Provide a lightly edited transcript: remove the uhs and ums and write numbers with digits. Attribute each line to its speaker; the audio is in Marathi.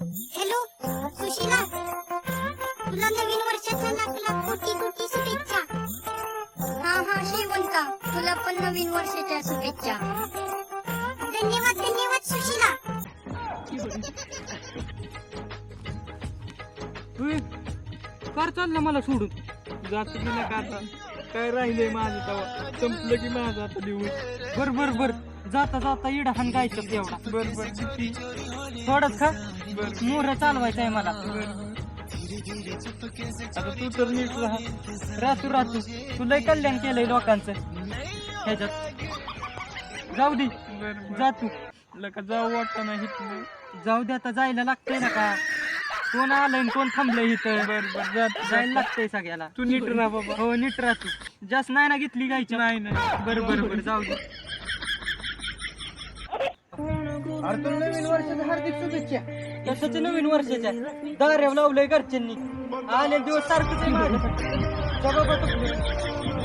Speaker 1: हॅलो सुशीला, तुला नवीन वर्षाच्या लाख लाख कोटी कोटी शुभेच्छा. हा श्रीमंता, तुला पण नवीन वर्षाच्या शुभेच्छा. धन्यवाद धन्यवाद सुशीला.
Speaker 2: फार चाललं मला सोडून जात गेला का आता काय राहिलंय माझं तवा संपलं की माझं आता दिवस. बर जाता जाता इडा हान गायचं तेवढा. बर किती थोडंच खा. मोर चालवायचं आहे मला. आता तू तर नीट राहतो तू लय कल्याण केलंय लोकांचं ह्याच्यात. जाऊ दे जा तू. जाऊ वाटत नाही जाऊ दे आता जायला लागतंय ना का. कोण आलंय कोण थांबलंय इथं. जायला लागतंय सगळ्याला. तू नीट राहा बाबा. हो नीट राह तू. जास्त नाही ना घेतली गायची. नाही बर जाऊ दे.
Speaker 3: अरे तुला नवीन वर्षाच्या हार्दिक शुभेच्छा.
Speaker 2: कशाच्या नवीन वर्षाच्या दार्याव लावलंय घरच्यांनी. आले दिवस सारखंच आहे माझ्यासाठी.